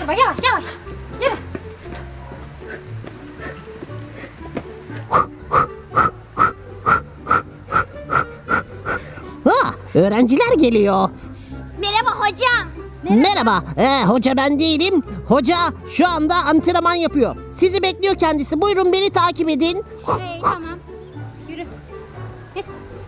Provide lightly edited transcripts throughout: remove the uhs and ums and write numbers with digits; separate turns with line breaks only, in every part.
Yürü bak, yavaş yavaş. Yürü.
Öğrenciler geliyor.
Merhaba hocam.
Merhaba. Hoca ben değilim. Hoca şu anda antrenman yapıyor. Sizi bekliyor kendisi. Buyurun beni takip edin.
Tamam. Yürü. Git.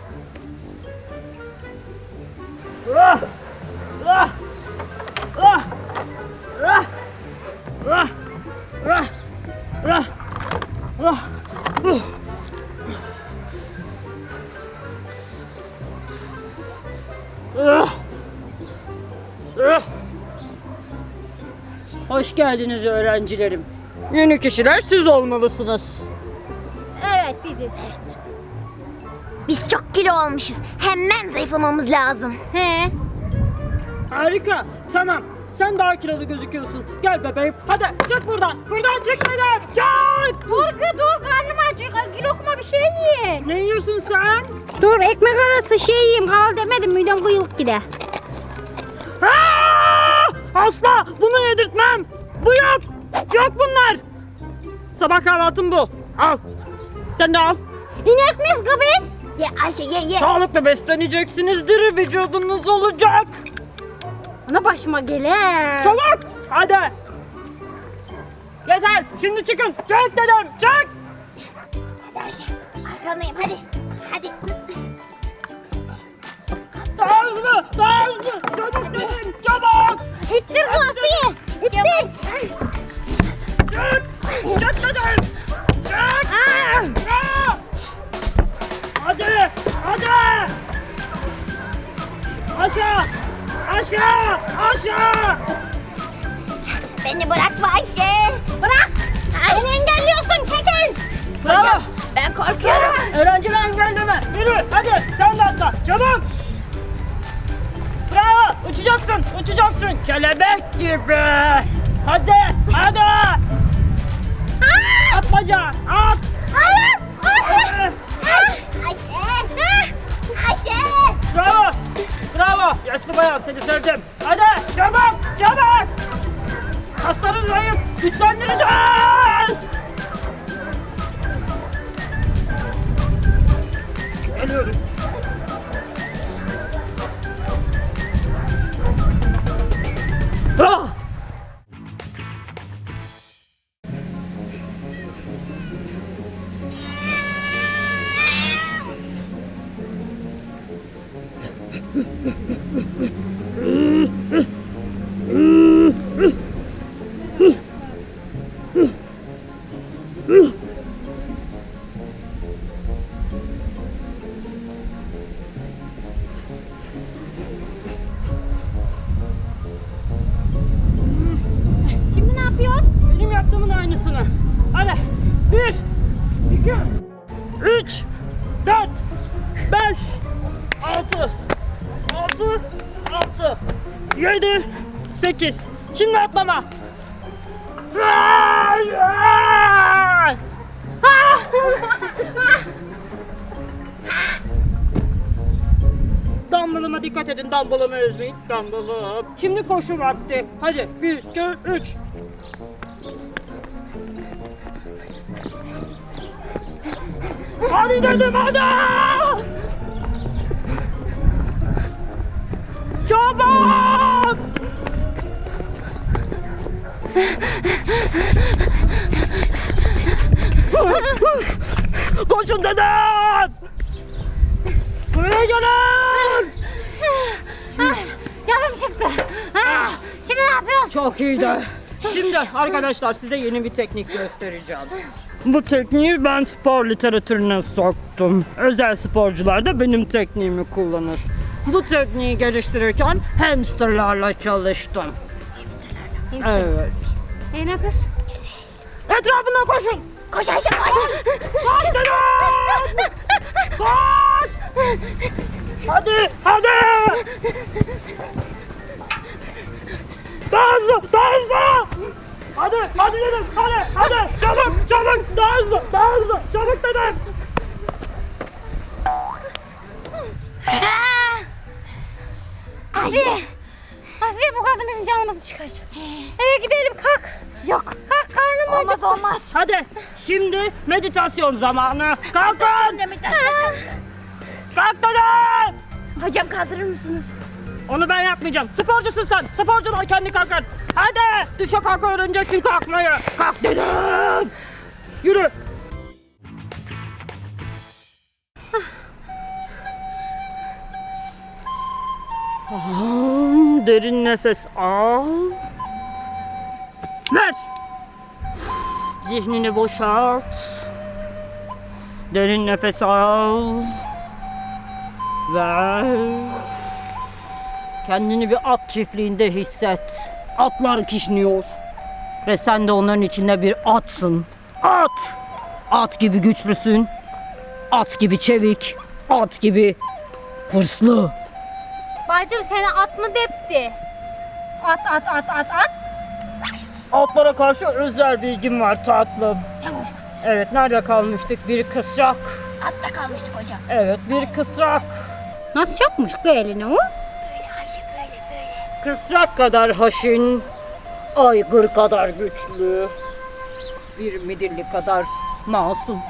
Hoş geldiniz öğrencilerim. Yeni kişiler siz olmalısınız.
Evet, biziz.
Biz çok kilo olmuşuz. Hemen zayıflamamız lazım.
He.
Harika. Tamam. Sen daha kilolu gözüküyorsun. Gel bebeğim. Hadi çık buradan. Buradan çık şeyden. Çık.
Dur, karnım acık. Bir lokma bir şey yiyin.
Ne yiyorsun sen?
Dur, ekmek arası şey yiyeyim. Kal demedim, midem kıyılıp gider.
Asla bunu yedirtmem. Bu yok. Yok bunlar. Sabah kahvaltım bu. Al. Sen de al.
İnek miyiz kız?
Ye Ayşe ye.
Sağlıklı besleneceksiniz. Diri vücudunuz olacak.
Ana başıma gele.
Çabuk. Hadi. Yeter. Şimdi çıkın. Çık dedim. Çık.
Hadi Ayşe arkandayım hadi. Hadi.
Daha hızlı. Daha hızlı. Çabuk dedim. Çabuk.
İttir Asiye. İttir.
Çık. Çık dedim. Çık. Hadi. Hadi. Aşağı. Aşağı. Aşağı.
Beni bırakma Ayşe. Bırak. Beni engelliyorsun çekil.
Bravo.
Ben korkuyorum.
Öğrenciler engelleme. Yürü. Hadi. Sen de atla. Çabuk. Bravo. Uçacaksın. Uçacaksın. Kelebek gibi. Hadi. Hadi. At bacağı. At.
Hayır.
Hadi.
Ayşe. Ayşe.
Bravo. Bravo. Yaşlı bayan seni sevdim. Hadi. Çabuk. Çabuk. Kasların zayıf. Güçlendireceğiz. Geliyorum. Ah!
Şimdi ne yapıyoruz?
Benim yaptığımın aynısını. Hadi. 1, 2, 3, 4, 5, 6, 7, 8. Şimdi atlama. Dumbbell'ıma dikkat edin. Dumbbell'ımı ezmeyin. Dumbbell'ım. Şimdi koşu vakti. Hadi. 1, 2, 3. Hadi dedim hadi. Çabuk. Koşun dedim. Buraya gelin.
Canım çıktı. Şimdi ne yapıyoruz?
Çok iyiydi. Şimdi arkadaşlar size yeni bir teknik göstereceğim. Bu tekniği ben spor literatürüne soktum. Özel sporcular da benim tekniğimi kullanır. Bu tekniği geliştirirken hamsterlarla çalıştım. Evet.
Ne yapıyoruz?
Etrafından koşun.
Koş Ayşe koş.
Koş dedim. Koş. Hadi, hadi. Daha hızlı, daha hızlı. Hadi, hadi dedim, hadi. Çabuk, çabuk. Daha hızlı, daha hızlı. Çabuk dedim.
Ayşe.
Asiye bu kadın bizim canımızı çıkaracak. Eve gidelim kalk.
Yok.
Kalk karnım acıktı.
Olmaz.
Hadi şimdi meditasyon zamanı. Kalkın. Kalk dedim.
Hocam kaldırır mısınız?
Onu ben yapmayacağım. Sporcusun sen. Sporcular kendi kalkar. Hadi düşe kalk öğreneceksin kalkmayı. Kalk dedim. Yürü. Derin nefes al. Ver. Zihnini boşalt. Derin nefes al. Ver. Kendini bir at çiftliğinde hisset. Atlar kişniyor. Ve sen de onların içinde bir atsın. At! At gibi güçlüsün. At gibi çevik. At gibi hırslı.
Bacım seni at mı depti? At.
Atlara karşı özel bilgim var tatlım.
Sen konuşma.
Evet, nerede kalmıştık? Bir kısrak.
Hatta kalmıştık hocam.
Evet, bir kısrak.
Nasıl yapmış ki elini o?
Böyle Ayşe böyle.
Kısrak kadar haşin, aygır kadar güçlü, bir midilli kadar masum.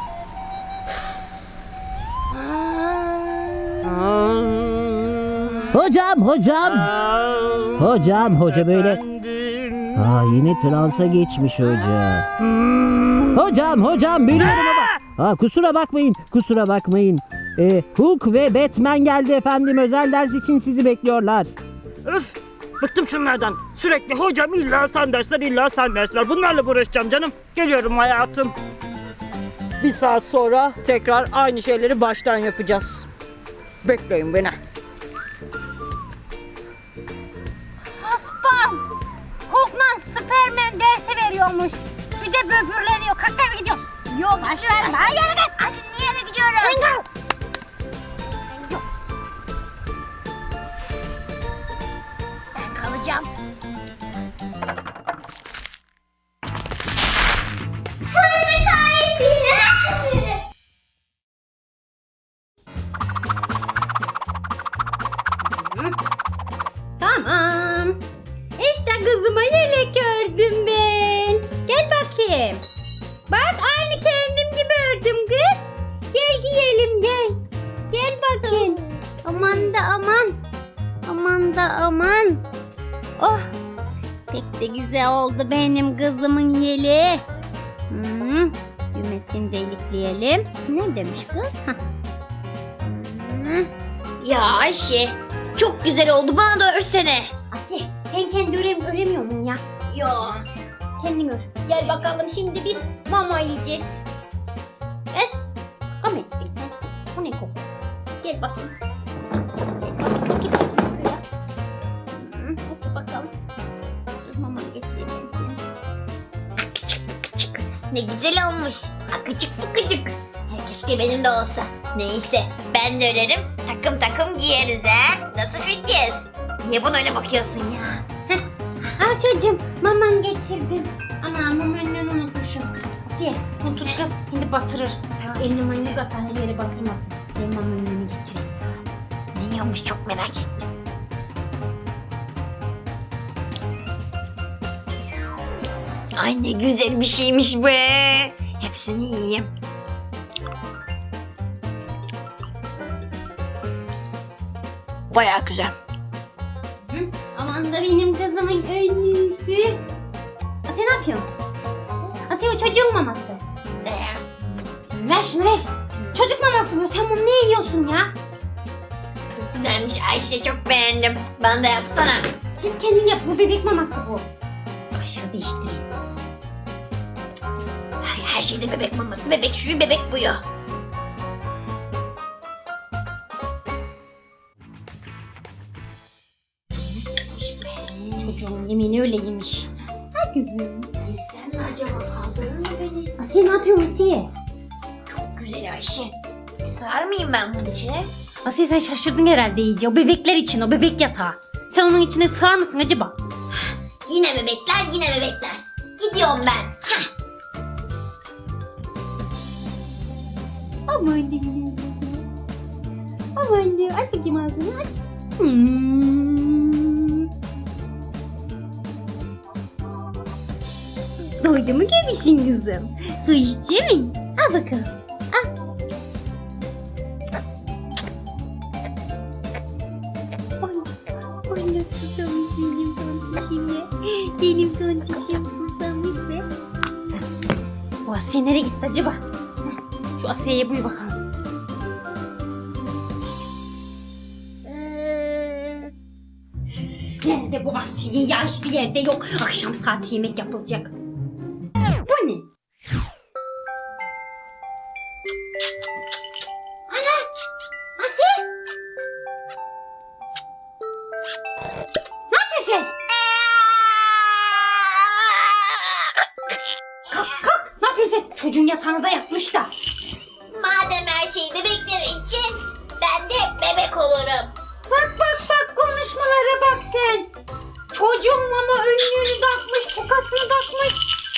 Hocam. Hocam, hoca böyle.
Efendim.
Yine transa geçmiş hoca. Hocam biliyorum ama. Kusura bakmayın. Hulk ve Batman geldi efendim. Özel ders için sizi bekliyorlar.
Öf! Bıktım şunlardan. Sürekli hocam illa sen dersler. Bunlarla uğraşacağım canım. Geliyorum hayatım. Bir saat sonra tekrar aynı şeyleri baştan yapacağız. Bekleyin beni.
Haspam. Hulk'la Superman dersi veriyormuş. Bir de böbürleniyor. Kalk eve gidiyorum.
Yok aşkım. Hayır git. Hadi niye eve gidiyoruz?
Sen gel.
Ben kalacağım. Fırın hikayesini
Tamam. İşte kızıma yelek ördüm ben. Gel bakayım. Bak aynı kendim gibi ördüm kız. Gel giyelim gel. Gel bakayım. Aman da aman. Aman da aman. Oh. Pek de güzel oldu benim kızımın yeleği. Düğmesini delikleyelim. Ne demiş kız? Hah.
Ya Ayşe, çok güzel oldu. Bana da örsene.
Asiye sen kendi öremiyor musun ya?
Yok.
Kendin ör. Gel bakalım şimdi biz mama yiyeceğiz. Es. Kaka mı ettin sen? Bu ne koku? Gel bakayım. Gel bakayım. Otur bakalım. Dur mamanı getireyim ben sana.
Akıcık. Ne güzel olmuş. Akıcık tıkıcık. Keşke benim de olsa. Neyse ben de örerim. Takım giyeriz ha. Nasıl fikir? Niye bana öyle bakıyorsun ya?
Al çocuğum maman getirdim. Ana mamanı unutmuşum. Asiye sen tut kız şimdi batırır. Elini manını katar her yere batırmasın. Ben mamanın önüne getireyim.
Ne yiyormuş çok merak ettim. Ay ne güzel bir şeymiş be. Hepsini yiyeyim. Bayağı güzel.
Aman da benim kızımın önlüsü. Asiye ne yapıyorsun? Asiye o çocuğun maması. Ver şunu ver. Çocuk maması bu. Sen bunu ne yiyorsun ya?
Çok güzelmiş Ayşe, çok beğendim. Bana da yapsana.
Git kendin yap. Bu bebek maması bu. Kaşığı değiştireyim.
Ay, her şeyde bebek maması, bebek şuyu, bebek buyu.
Çocuğun yemeğini öyle yemiş. Ha kızım.
Girsem mi acaba, kaldırır mı beni?
Asiye ne yapıyorsun Asiye?
Çok güzel Ayşe. Sığar mıyım ben bunun içine?
Asiye sen şaşırdın herhalde iyice. O bebekler için, o bebek yatağı. Sen onun içine sığar mısın acaba?
Yine bebekler. Gidiyorum ben. Heh.
Aman diyeyim. Aman diyeyim. Aç bakayım ağzını aç. Doydu mu göbüşün kızım? Su içecek mi? Al bakalım. Al. Ay nasıl susamış benim tontişim ya. Benim tontişim susamış be. Bu Asiye nereye gitti acaba? Şu Asiye'ye buy bakalım. Nerede bu Asiye ya? Hiçbir yerde yok. Akşam saati yemek yapılacak. Bu ne? Ana! Asiye! Ne yapıyorsun? Kalk! Ne yapıyorsun? Çocuğun yatağınıza yatmış da.
Madem her şey bebekler için ben de bebek olurum.
Bak konuşmalara bak sen. Çocuğun ama önlüğünü takmış, tokasını takmış.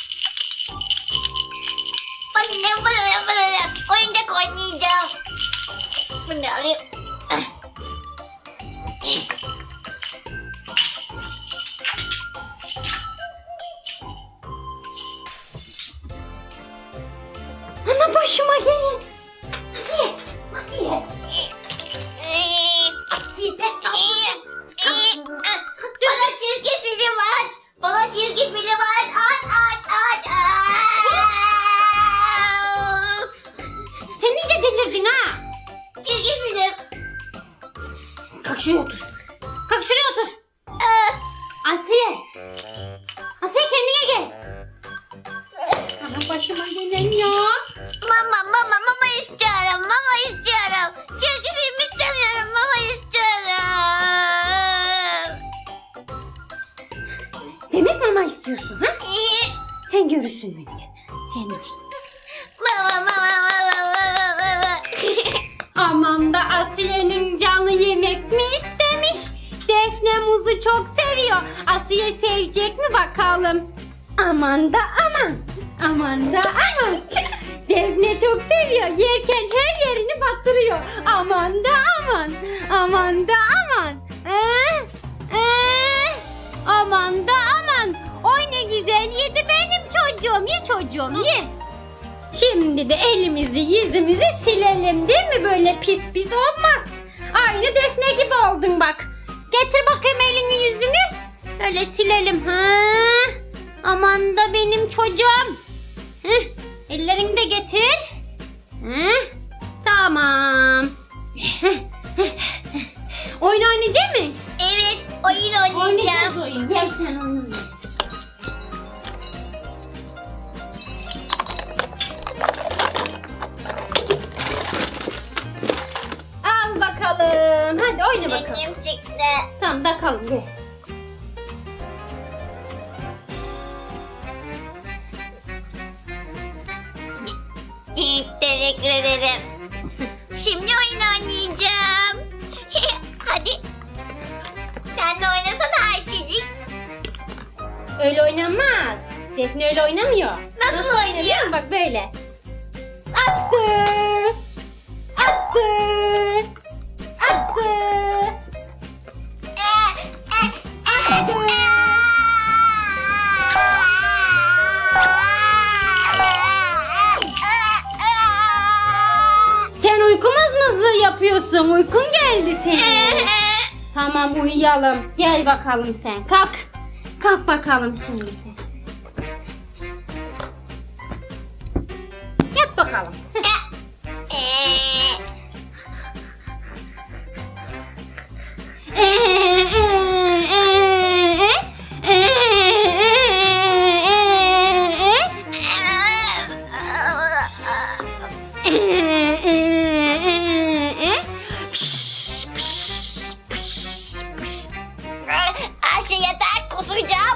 Bana oyuncak oynayacağım. Bunu alayım.
Ana başıma gelin. Asiye. Asiye sen
Bana çizgi film aç. Bana çizgi film aç. Aç.
Sen iyice delirdin ha.
Çizgi film.
Kalk şuraya otur. Kalk şuraya otur. Asiye. Asiye kendine gel. Ana başıma gelen ya.
Mama istiyorum. Mama istiyorum. Çizgi film istemiyorum. Mama istiyorum.
Demek mama istiyorsun ha? Sen görürsün beni. Sen görürsün.
Mama.
Aman da Asiye'nin canı yemek mi istemiş? Defne muzu çok seviyor. Asiye sevecek mi bakalım? Aman da aman. Aman da aman. Defne çok seviyor. Yerken her yerini batırıyor. Aman da aman. Aman da aman. Aman da aman. Oy ne güzel yedi benim çocuğum. Ye çocuğum ye. Şimdi de elimizi yüzümüzü silelim değil mi? Böyle pis pis olmaz. Aynı Defne gibi oldun bak. Getir bakayım elini yüzünü. Öyle silelim. Ha? Aman da benim çocuğum. Heh. Ellerini de getir. Heh. Tamam. Oyun oynayacak mı?
Evet, oyun oynayacağım.
Oynayacağız oyun. Gel sen oyun oynayacağız. Al bakalım. Hadi oyna bakalım.
Benim çıktı.
Tamam takalım gel.
Teşekkür ederim. Şimdi oyun oynayacağım. Hadi. Sen de oynasana Ayşecik.
Öyle oynanmaz. Defne öyle oynamıyor.
Nasıl oynuyor?
biliyor musun? Bak böyle. Attı. Attı. Attı. Attı. Sen uyku mızmızlığı yapıyorsun. Uykun geldi senin. Tamam uyuyalım. Gel bakalım sen. Kalk. Kalk bakalım şimdi sen. Yat bakalım.
Ayşe yeter, kusacağım.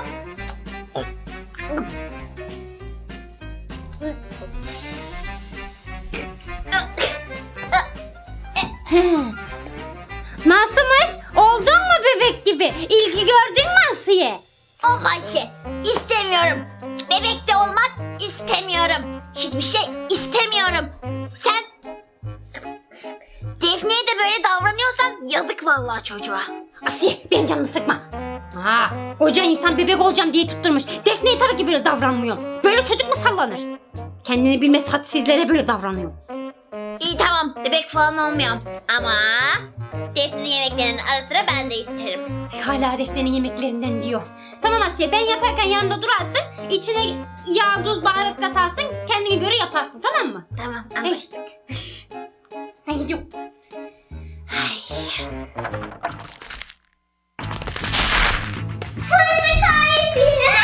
Nasılmış? Oldun mu bebek gibi? İlgi gördün mü Asiye?
Of Ayşe, istemiyorum. Bebekte olmak istemiyorum. Hiçbir şey istemiyorum. Sen Defne'ye de böyle davranıyorsan yazık vallahi çocuğa.
Asiye benim canımı sıkma. Koca insan bebek olacağım diye tutturmuş. Defne'yi tabii ki Asiye böyle davranmıyorum. Böyle çocuk mu sallanır? Kendini bilmez hadsizlere böyle davranıyor.
İyi tamam bebek falan olmuyorum. Ama Defne'nin yemeklerinin ara sıra ben de isterim.
Hala Defne'nin yemeklerinden diyor. Tamam Asiye, ben yaparken yanında durarsın. İçine yağ, tuz, baharat katarsın. Kendine göre yaparsın, tamam mı?
Tamam anlaştık.
Ben gidiyorum.
Ay. Fırın kahvesi.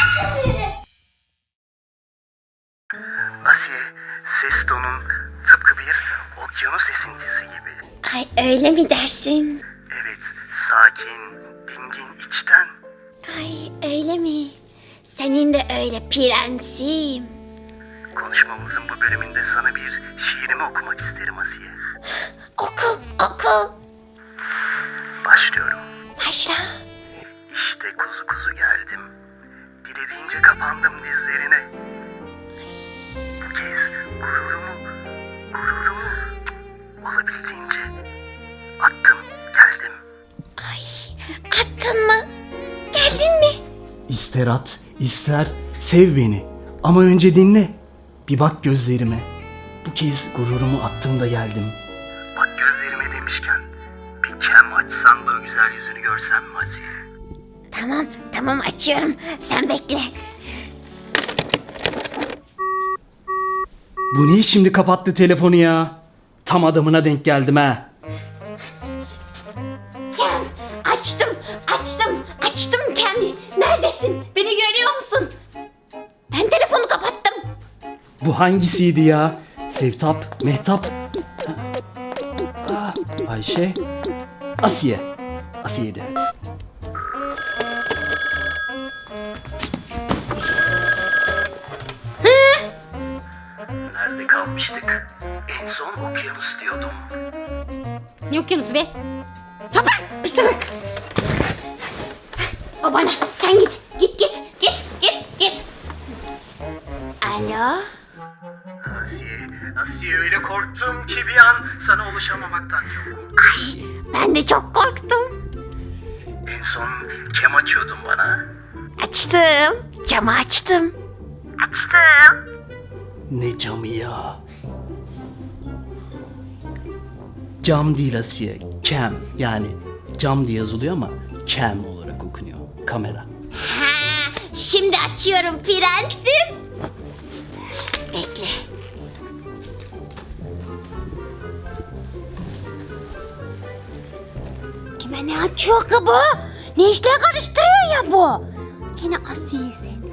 Asiye, ses tonun tıpkı bir okyanus esintisi gibi.
Ay öyle mi dersin?
Evet, sakin, dingin içten.
Ay öyle mi? Senin de öyle prensim.
Konuşmamızın bu bölümünde sana bir şiirimi okumak isterim Asiye.
Oku oku.
Başlıyorum.
Başla.
İşte kuzu kuzu geldim. Dilediğince kapandım dizlerine. Bu kez gururumu olabildiğince attım, geldim.
Ay attın mı? Geldin mi?
İster at, ister sev beni. Ama önce dinle. Bir bak gözlerime. Bu kez gururumu attığımda geldim. Bak gözlerime demişken bir kem açsan da o güzel yüzünü görsem mi Asiye?
Tamam açıyorum. Sen bekle.
Bu niye şimdi kapattı telefonu ya? Tam adamına denk geldim ha.
Kem açtım Kem. Neredesin? Beni görüyor musun? Ben telefonu kapattım.
Bu hangisiydi ya? Sevtap, Mehtap. Ayşe. Asiye. Asiye'di. Nerede kalmıştık? En son okyanus diyordum.
Ne okyanusu be? Sapık! Pis sapık!
O bana. Sen git. Git. Alo?
Asiye öyle korktum ki bir an sana ulaşamamaktan çok korktum.
Ben de çok korktum.
En son kem açıyordun bana.
Açtım. Camı açtım.
Ne camı ya? Cam değil Asiye, cam yani cam diye yazılıyor ama cam olarak okunuyor. Kamera.
Ha, şimdi açıyorum prensim. Bekle. Kime ne açıyor ki bu? Ne işler karıştırıyor ya bu? Seni Asiye'sin.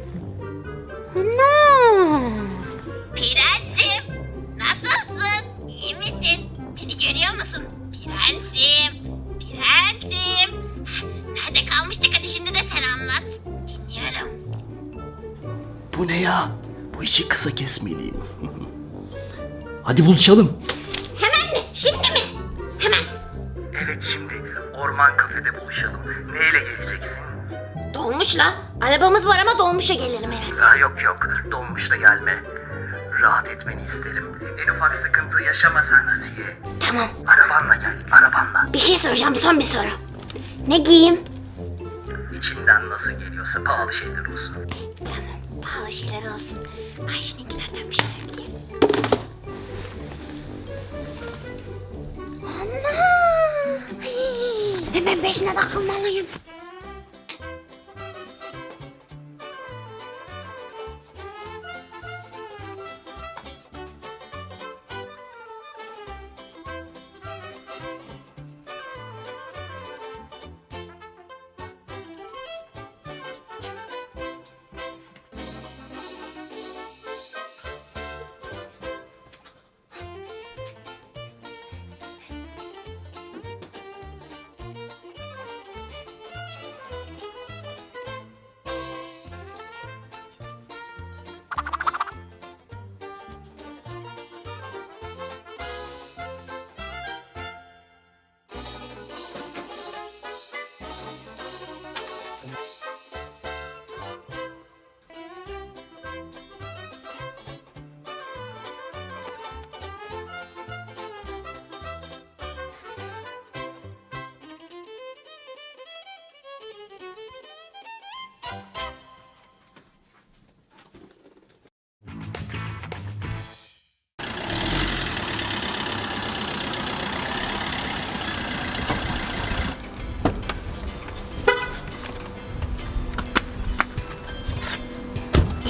Ana. Prensim, nasılsın? İyi misin? Beni görüyor musun? Prensim. Nerede kalmıştık? Hadi şimdi de sen anlat. Dinliyorum.
Bu ne ya? Bu işi kısa kesmeliyim. Hadi buluşalım.
Hemen mi? Şimdi mi? Hemen.
Evet şimdi orman kafede buluşalım. Neyle geleceksin?
Dolmuşla. Arabamız var ama dolmuşa gelirim herhalde.
Yok dolmuş da gelme. Rahat etmeni isterim. En ufak sıkıntı yaşama sen Asiye.
Tamam.
Arabanla gel, arabanla.
Bir şey soracağım. Son bir soru. Ne giyeyim?
İçinden nasıl geliyorsa pahalı şeyler olsun.
Tamam. Pahalı şeyler olsun. Ayşe'ninkilerden bir şeyler giyeriz. Ana! Hemen peşine takılmalıyım.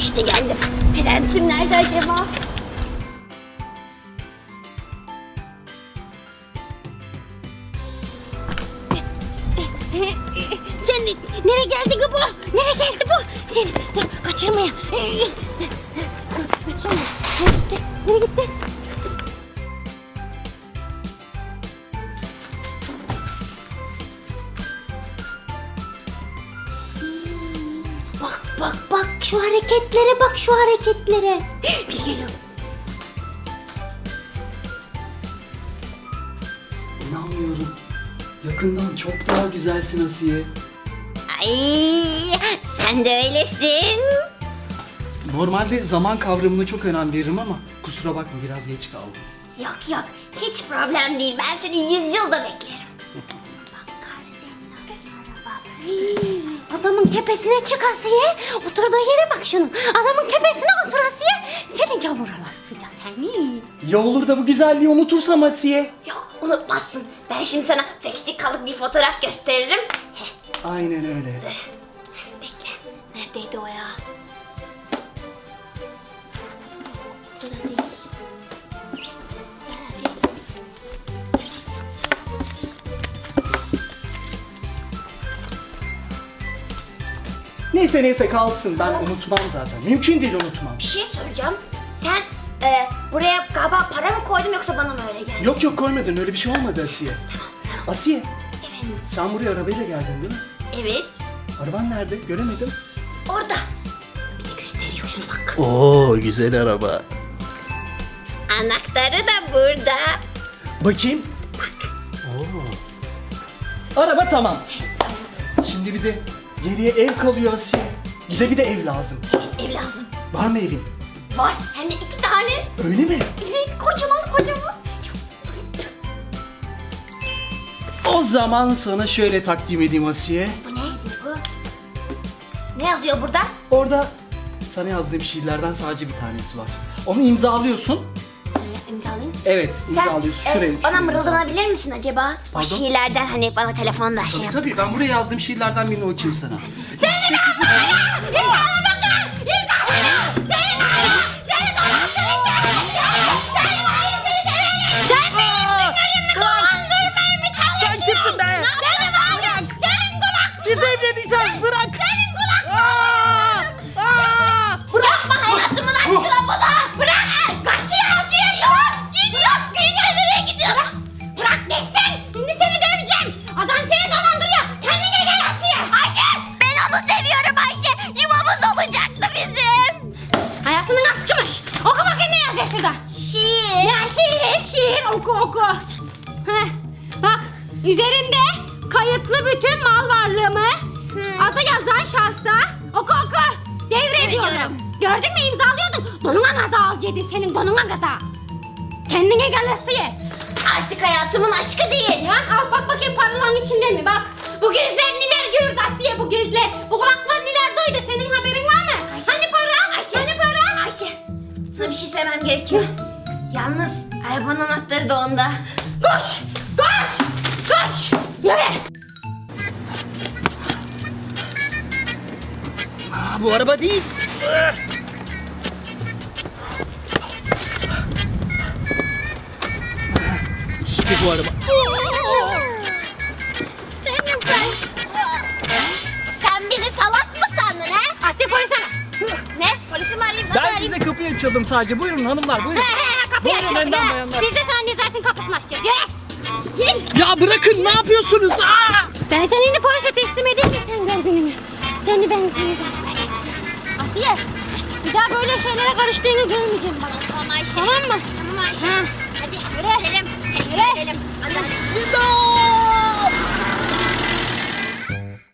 İşte geldim. Prensim nerede acaba? Sen nereye geldi bu? Nereye geldi bu? Seni kaçırmaya. Kaçırma. Nereye gitti? Nereye gitti? Bak şu hareketlere bak şu hareketlere. Bir geliyor.
İnanmıyorum. Yakından çok daha güzelsin Asiye.
Ay sen de öylesin.
Normalde zaman kavramına çok önem veririm ama kusura bakma biraz geç kaldım.
Yok hiç problem değil. Ben seni 100 yılda beklerim. Bak senin araba. Adamın tepesine çık Asiye. Oturduğu yere bak şunun. Adamın tepesine otur Asiye. Seni camura bastıracağız seni.
Ya olur da bu güzelliği unutursam Asiye?
Yok unutmazsın. Ben şimdi sana kalıp bir fotoğraf gösteririm.
Aynen öyle.
Bekle. Neredeydi o ya?
Neyse kalsın, ben unutmam zaten. Mümkün değil unutmam.
Bir şey soracağım. Sen buraya galiba para mı koydun yoksa bana mı öyle geldi?
Yok koymadın, öyle bir şey olmadı Asiye. Asiye,
Efendim?
sen buraya arabayla geldin değil mi?
Evet.
Araban nerede? Göremedim.
Orada. Bir de gösteriyor şuna bak.
Oo, güzel araba.
Anahtarı da burada.
Bakayım. Oo. Araba tamam. Şimdi bir de geriye ev kalıyor Asiye. Bize bir de ev lazım.
Ev lazım.
Var mı evin?
Var. Hem de 2 tane.
Öyle mi?
Evet kocaman.
O zaman sana şöyle takdim edeyim Asiye.
Bu ne? Bu. Ne yazıyor burada?
Orada sana yazdığım şiirlerden sadece bir tanesi var. Onu imzalıyorsun.
İmzalayayım.
Evet, imzalıyorsun. Şuraya.
Bana
şuraya
mırıldanabilir misin acaba? O
Pardon?
şiirlerden hani bana telefonda şey yap.
Tabii ben buraya yazdığım şiirlerden birini okuyayım sana.
Sen kimsin be? Biz evleneceğiz, bırak.
Yapma hayatımın aşkına bana. Bırak. Kaçıyor diyor. Gidiyor. Nereye gidiyorsun? Bırak gitsin. Şimdi seni döveceğim. Adam seni dolandırıyor. Kendine gel Asiye. Ayşe. Ben onu seviyorum Ayşe. Yuvamız olacaktı bizim. Hayatının aşkımış. Oku bakayım ne yazıyor şurada. Şiir. Ya şiir. Oku. Heh. Bak üzerinde kayıtlı bütün mal varlığımı adı yazan şahsa oku. Devrediyorum. Gördün mü imzalıyordun. Donuna kadar al Cedi senin donuna kadar. Kendine gel Asiye. Artık hayatımın aşkı değil. Ya al bak bakayım paraların içinde mi bak. Bu gözler neler gördü Asiye bu gözler. Bu kulaklar neler duydu senin haberin var mı? Ayşe. Hani para? Ayşe. Hani para? Ayşe. Sana bir şey söylemem gerekiyor. Yalnız arabanın anahtarı da onda. Koş. Yürü.
Bu araba değil. İşte bu araba.
Senin ben. Sen bizi salak mı sandın he? Asiye polis ara. Ne? Polisi mi arayayım? Nasıl
Ben
arayayım?
size kapıyı açıyordum sadece. Buyurun hanımlar buyurun.
Kapıyı
Buyurun
açıyorduk
önden
ha.
bayanlar.
Biz de sana Nezahat'in kapısını açacağız. Yürü. Gel.
Ya bırakın ne yapıyorsunuz? Aa!
Ben seni şimdi polise teslim edeyim de sen gör gününü. Seni ben Asiye. Bir daha böyle şeylere karıştığını görmeyeceğim bana. Tamam Ayşe. Tamam mı? Tamam Ayşe. Hadi yürü. Gidelim. Yürü. Hadi.